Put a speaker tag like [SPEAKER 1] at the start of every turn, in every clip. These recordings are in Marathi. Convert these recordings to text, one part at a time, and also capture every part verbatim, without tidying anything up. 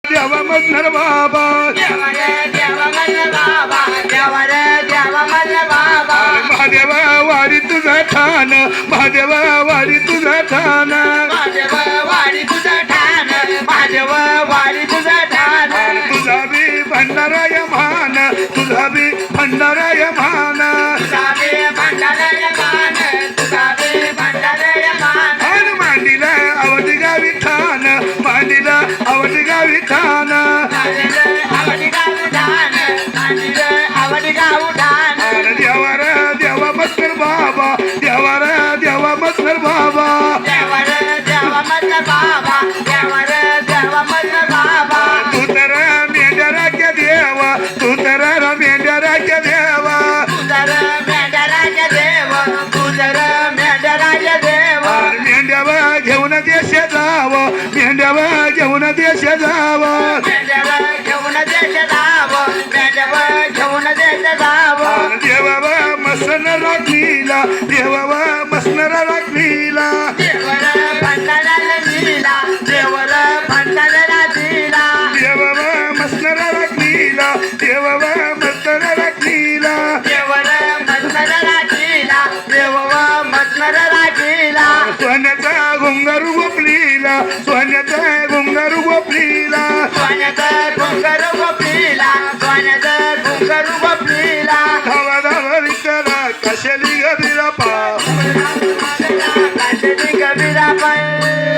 [SPEAKER 1] देवा मल्हार बाबा
[SPEAKER 2] देवा रे देवा मल्हार बाबा देवा रे देवा मल्हार बाबा
[SPEAKER 1] महादेवा वाडी तुझा ठाण महादेवा वाडी तुझा ठाण
[SPEAKER 2] महादेव वाडी तुझं ठाण महादेव वाडी तुझं ठाण
[SPEAKER 1] तुझा बी भंडाराय मान तुझा बी भंडाराय मान
[SPEAKER 2] तुझा बी भंडारय मान तुझा बी भंडारय मान
[SPEAKER 1] आणि मांडीला आवडी गावी ठाण मांडीला आवडी गावी ठाण
[SPEAKER 2] आवडी गाव ठाण आवडी गाव ठाण
[SPEAKER 1] देवा रे देवा मस्कर बाबा देवा रे देवा मस्कर बाबा
[SPEAKER 2] देवा रे देवा मल्हार बाबा देवा रे देवा मल्हार बाबा
[SPEAKER 1] तू तर मेंढराच्या देवा तू तर मेंढराच्या देवा
[SPEAKER 2] तुझर मेंढराज देव तुझर मेंढराज देव
[SPEAKER 1] मेंढ्यावा घेऊन देश जाव मेंढ्यावा घेऊन देश जाव
[SPEAKER 2] मेंढव घेऊन देश जाव मेंढव घेऊन देश जाव
[SPEAKER 1] देवावा मसन राखलीला देवावा मसनर राखलीला
[SPEAKER 2] देवर भंडाराला दिला देवर भंडाराला दिला
[SPEAKER 1] देवावा मसनर राखलीला देवावा मसनर राखलीला
[SPEAKER 2] देवर मत्नराला दिला देव मत्नराला दिला
[SPEAKER 1] सोन्याचा घुंगारू गोपलीला सोन्याचा घुंगारू गोपलीला
[SPEAKER 2] सोन्याचं घुंगर गोपीला सोन्याचं घुंगर गोपीला
[SPEAKER 1] धावा धावा विचारा कशाली गरीला पा
[SPEAKER 2] काशीची कबीरा पण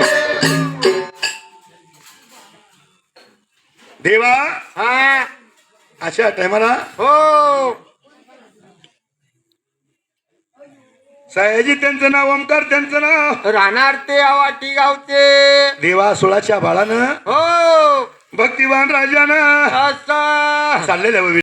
[SPEAKER 1] देवा
[SPEAKER 2] हा
[SPEAKER 1] अशा टायमाला
[SPEAKER 2] हो
[SPEAKER 1] सयाजी त्यांचं नाव ओमकार त्यांचं नाव
[SPEAKER 2] राहणार ते आवाटी गावचे
[SPEAKER 1] देवा सोळाच्या बाळानं
[SPEAKER 2] हो
[SPEAKER 1] भक्तिवान राजानं
[SPEAKER 2] असं
[SPEAKER 1] चाललेलं